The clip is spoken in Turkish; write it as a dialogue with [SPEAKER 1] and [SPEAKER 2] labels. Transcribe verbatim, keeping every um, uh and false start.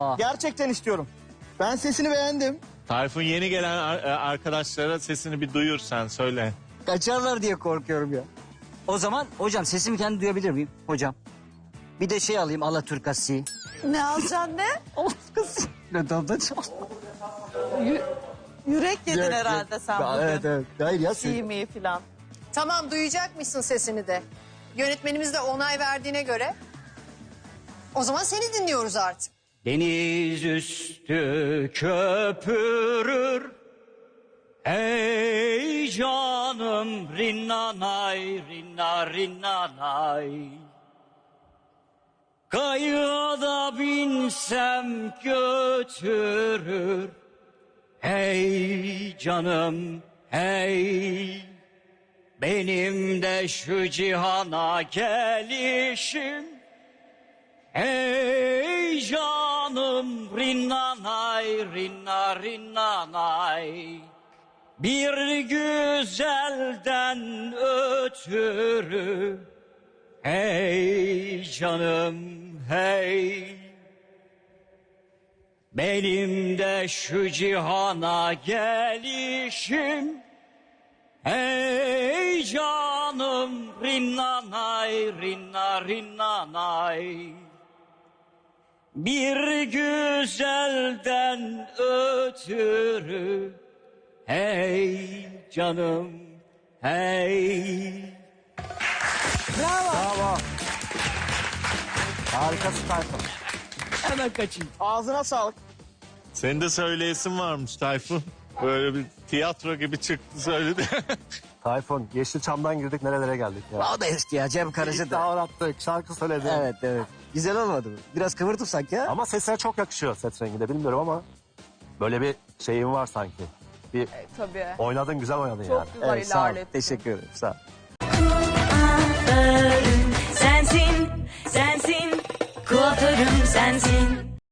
[SPEAKER 1] Gerçekten istiyorum. Ben sesini beğendim.
[SPEAKER 2] Tayfun, yeni gelen ar- arkadaşlara sesini bir duyur, sen söyle.
[SPEAKER 3] Kaçarlar diye korkuyorum ya. O zaman hocam sesimi kendi duyabilir miyim hocam? Bir de şey alayım Alaturkası.
[SPEAKER 4] Ne alacaksın ne?
[SPEAKER 3] Alaturkası. Ne dalda
[SPEAKER 4] Yü- yürek yedin herhalde sen bugün.
[SPEAKER 3] Evet evet. Hayır ya. sen-
[SPEAKER 4] İyi mi falan.
[SPEAKER 5] Tamam, duyacakmışsın sesini de. Yönetmenimiz de onay verdiğine göre. O zaman seni dinliyoruz artık.
[SPEAKER 3] Deniz üstü köpürür. Ey canım rinnanay rinna rinnanay. Kayığa da binsem götürür. Hey canım hey. Benim de şu cihana gelişim. Hey canım rinnanay rinna rinnanay. Bir güzelden ötürü. Hey canım hey. Benim de şu cihana gelişim. Hey canım rinnanay rinna rinnanay. Bir güzelden ötürü. Hey canım hey.
[SPEAKER 1] Bravo. Harikasın Tayfun.
[SPEAKER 3] Hemen kaçayım.
[SPEAKER 1] Ağzına sağlık.
[SPEAKER 2] Senin de söyleyesin varmış Tayfun. Böyle bir tiyatro gibi çıktı söyledi.
[SPEAKER 6] Tayfun, Yeşilçam'dan girdik nerelere geldik ya.
[SPEAKER 3] O da eski ya Cem Karaca da.
[SPEAKER 6] İddia attık, şarkı söyledi.
[SPEAKER 3] Evet evet. Güzel olmadı mı? Biraz kıvırtıp sanki ya.
[SPEAKER 6] Ama sesine çok yakışıyor, ses renginde bilmiyorum ama böyle bir şeyin var sanki. Bir
[SPEAKER 4] Tabii.
[SPEAKER 6] oynadın, güzel oynadın
[SPEAKER 4] Çok
[SPEAKER 6] yani.
[SPEAKER 4] güzel
[SPEAKER 3] Evet, sağ ol.
[SPEAKER 4] ilerlettin.
[SPEAKER 3] Teşekkür ederim. Sağ ol.
[SPEAKER 7] Kuaförüm sensin, sensin. Kuaförüm sensin.